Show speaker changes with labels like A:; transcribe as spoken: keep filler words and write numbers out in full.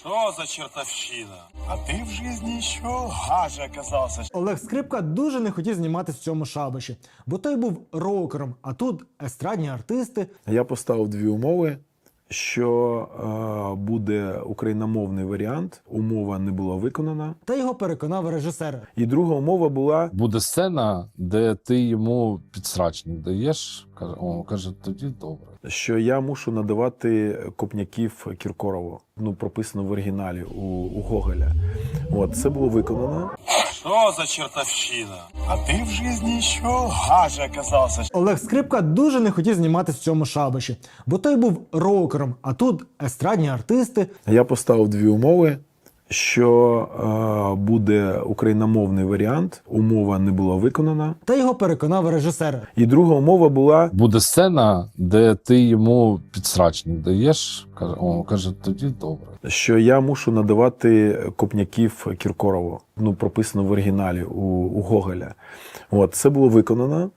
A: Что за чертовщина? А ты в жизни еще гаже оказался.
B: Олег Скрипка дуже не хотів зніматись в цьому шабаші, бо той був рокером, а тут естрадні артисти.
C: Я поставив дві умови, що е, буде україномовний варіант, умова не була виконана.
B: Та його переконав режисер.
C: І друга умова була,
D: Буде сцена, де ти йому підсрачник даєш. Каже, о, каже, тоді добре.
C: що я мушу надавати копняків Кіркорову. Ну, прописано в оригіналі у, у Гоголя. От, це було виконано.
A: Что за чертовщина? А ты в жизни еще гаже оказался.
B: Олег Скрипка дуже не хотів зніматись в цьому шабаші, бо той був рокером, а тут естрадні артисти.
C: Я поставив дві умови, що е, буде україномовний варіант, умова не була виконана.
B: Та його переконав режисер.
C: І друга умова була,
D: Буде сцена, де ти йому підсрачник даєш. Каже, о, каже, тоді добре.
C: що я мушу надавати копняків Кіркорову. Ну, прописано в оригіналі у, у Гоголя. От, це було виконано.